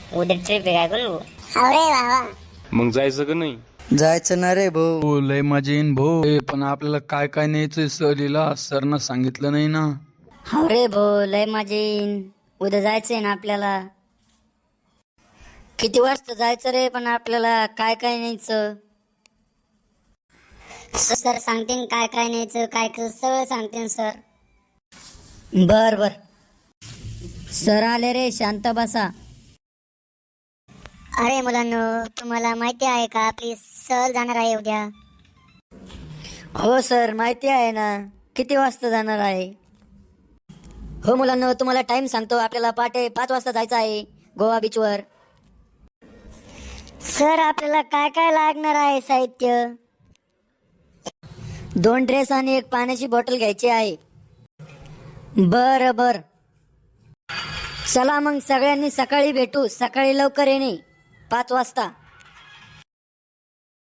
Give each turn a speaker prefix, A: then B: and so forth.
A: उद्या ट्रिप आहे काय करू?
B: अरे वा.
C: मग जायचं का नाही?
D: जायचं ना रे भाऊ.
E: हो लय मजा येईन भाऊ. पण आपल्याला काय काय न्यायचंय सहलीला सरनं सांगितलं नाही ना.
A: हो रे भाऊ, लय मजा येईन. उद्या जायचंय ना आपल्याला. किती वाजता जायचं रे? पण आपल्याला काय काय न्यायचं?
B: सर सांगतील काय काय न्यायचं काय काय सगळं सांगतील सर.
A: बर बर. सर आले रे, शांत बसा.
B: अरे मुलांनो, तुम्हाला माहिती आहे का आपली सहल जाणार आहे उद्या?
A: हो सर, माहिती आहे ना. किती वाजता जाणार आहे? हो मुलांना, तुम्हाला टाइम सांगतो. आपल्याला पहाटे 5 वाजता जायचं आहे गोवा बीचवर.
B: सर आपल्याला काय काय लागणार आहे साहित्य?
A: 2 ड्रेस आणि 1 पाण्याची बॉटल घ्यायची आहे. बर बर. चला मग सगळ्यांनी सकाळी भेटू. सकाळी लवकर येणे 5 वाजता.